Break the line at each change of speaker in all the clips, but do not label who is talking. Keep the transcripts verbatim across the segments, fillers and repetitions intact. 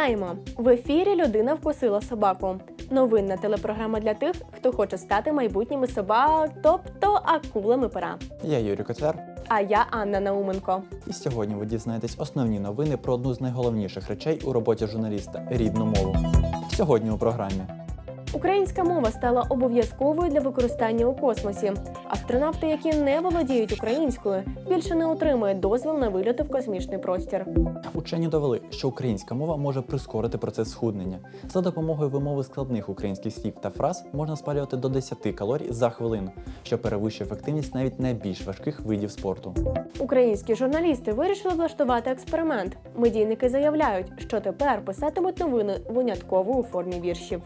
Вітаємо! В ефірі «Людина вкусила собаку». Новинна телепрограма для тих, хто хоче стати майбутніми собак, тобто акулами пера.
Я Юрій Котляр.
А я Анна Науменко.
І сьогодні ви дізнаєтесь основні новини про одну з найголовніших речей у роботі журналіста – рідну мову. Сьогодні у програмі.
Українська мова стала обов'язковою для використання у космосі. Астронавти, які не володіють українською, більше не отримують дозвіл на вильоти в космічний простір.
Учені довели, що українська мова може прискорити процес схуднення. За допомогою вимови складних українських слів та фраз можна спалювати до десяти калорій за хвилину, що перевищує ефективність навіть найбільш важких видів спорту. Українські
журналісти вирішили влаштувати експеримент. Медійники заявляють, що тепер писатимуть новини винятково у формі віршів.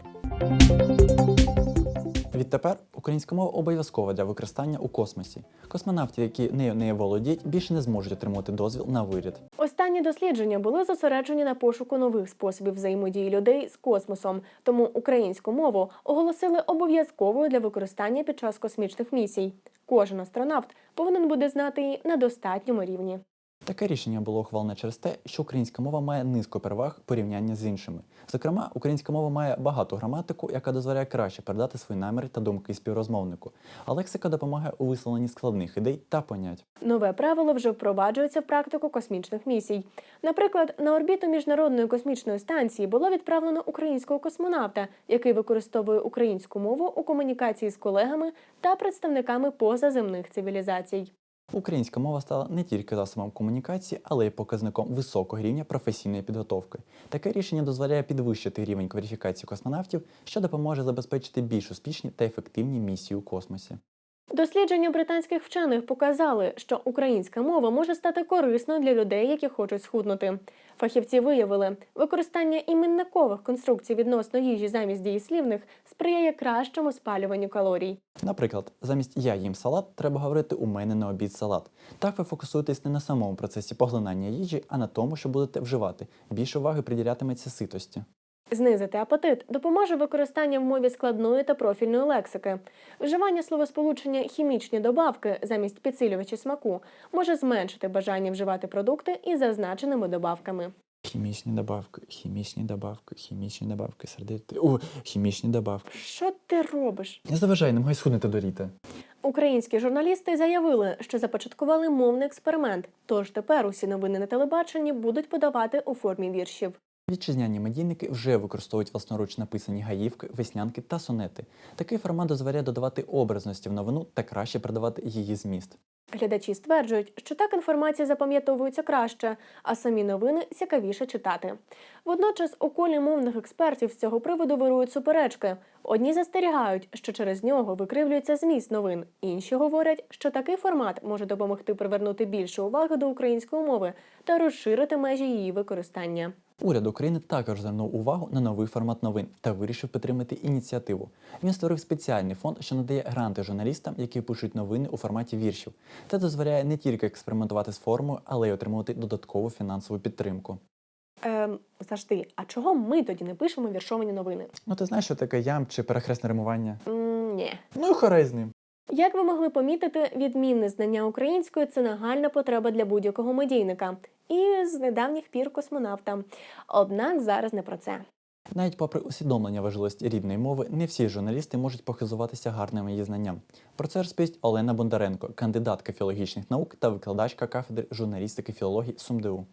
Відтепер українська мова обов'язкова для використання у космосі. Космонавти, які нею не володіють, більше не зможуть отримувати дозвіл на виліт.
Останні дослідження були зосереджені на пошуку нових способів взаємодії людей з космосом, тому українську мову оголосили обов'язковою для використання під час космічних місій. Кожен астронавт повинен буде знати її на достатньому рівні.
Таке рішення було ухвалене через те, що українська мова має низку переваг в порівнянні з іншими. Зокрема, українська мова має багату граматику, яка дозволяє краще передати свої наміри та думки співрозмовнику, а лексика допомагає у висловленні складних ідей та понять.
Нове правило вже впроваджується в практику космічних місій. Наприклад, на орбіту Міжнародної космічної станції було відправлено українського космонавта, який використовує українську мову у комунікації з колегами та представниками позаземних цивілізацій.
Українська мова стала не тільки засобом комунікації, але й показником високого рівня професійної підготовки. Таке рішення дозволяє підвищити рівень кваліфікації космонавтів, що допоможе забезпечити більш успішні та ефективні місії у космосі.
Дослідження британських вчених показали, що українська мова може стати корисною для людей, які хочуть схуднути. Фахівці виявили, використання іменникових конструкцій відносно їжі замість дієслівних сприяє кращому спалюванню калорій.
Наприклад, замість «я їм салат» треба говорити «у мене на обід салат». Так ви фокусуєтесь не на самому процесі поглинання їжі, а на тому, що будете вживати. Більше уваги приділятиметься ситості.
Знизити апетит допоможе використання в мові складної та профільної лексики. Вживання словосполучення «хімічні добавки» замість підсилювачі смаку може зменшити бажання вживати продукти із зазначеними добавками.
Хімічні добавки, хімічні добавки, хімічні добавки, сердити. О, хімічні добавки.
Що ти робиш?
Не заважай, намагай схуднути до літа.
Українські журналісти заявили, що започаткували мовний експеримент, тож тепер усі новини на телебаченні будуть подавати у формі віршів.
Вітчизняні медійники вже використовують власноруч написані гаївки, веснянки та сонети. Такий формат дозволяє додавати образності в новину та краще передавати її зміст.
Глядачі стверджують, що так інформація запам'ятовується краще, а самі новини цікавіше читати. Водночас у колі мовних експертів з цього приводу вирують суперечки. Одні застерігають, що через нього викривлюється зміст новин. Інші говорять, що такий формат може допомогти привернути більше уваги до української мови та розширити межі її використання.
Уряд України також звернув увагу на новий формат новин та вирішив підтримати ініціативу. Він створив спеціальний фонд, що надає гранти журналістам, які пишуть новини у форматі віршів. Це дозволяє не тільки експериментувати з формою, але й отримувати додаткову фінансову підтримку.
Ем, завжди. А чого ми тоді не пишемо віршовані новини?
Ну ти знаєш, що таке ям чи перехресне римування?
М, ні.
Ну і хорей з ним.
Як ви могли помітити, відмінне знання української – це нагальна потреба для будь-якого медійника. І з недавніх пір космонавта. Однак зараз не про це.
Навіть попри усвідомлення важливості рідної мови, не всі журналісти можуть похизуватися гарним її знанням. Про це розповість Олена Бондаренко, кандидатка філологічних наук та викладачка кафедри журналістики і філології СумДУ.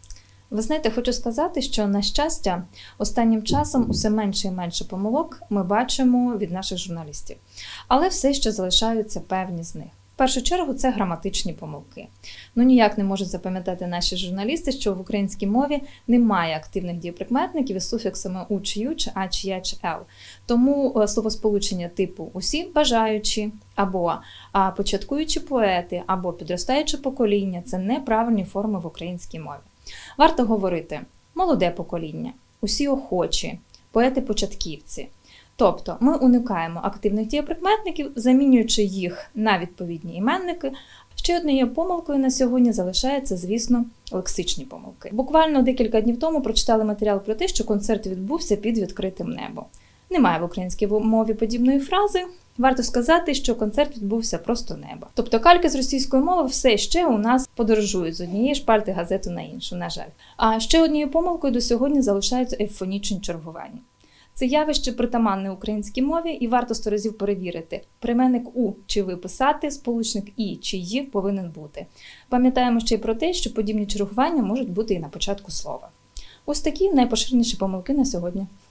Ви знаєте, хочу сказати, що, на щастя, останнім часом усе менше і менше помилок ми бачимо від наших журналістів. Але все ще залишаються певні з них. В першу чергу це граматичні помилки. Ну ніяк не можуть запам'ятати наші журналісти, що в українській мові немає активних дієприкметників із суфіксами «у», чи «ю», чи «а», чи «я», чи «ел». Тому словосполучення типу «усі бажаючі» або «початкуючі поети» або «підростаюче покоління» – це неправильні форми в українській мові. Варто говорити «молоде покоління», «усі охочі», «поети-початківці». Тобто ми уникаємо активних дієприкметників, замінюючи їх на відповідні іменники. Ще однією помилкою на сьогодні залишається, звісно, лексичні помилки. Буквально декілька днів тому прочитали матеріал про те, що концерт відбувся під відкритим небом. Немає в українській мові подібної фрази. Варто сказати, що концерт відбувся просто неба. Тобто кальки з російської мови все ще у нас подорожують з однієї шпальти газети на іншу, на жаль. А ще однією помилкою до сьогодні залишаються ейфонічні чергування. Це явище притаманне українській мові і варто сто разів перевірити. Прийменник «у» чи «ви» писати, сполучник «і» чи «ї» повинен бути. Пам'ятаємо ще й про те, що подібні чергування можуть бути і на початку слова. Ось такі найпоширеніші помилки на сьогодні.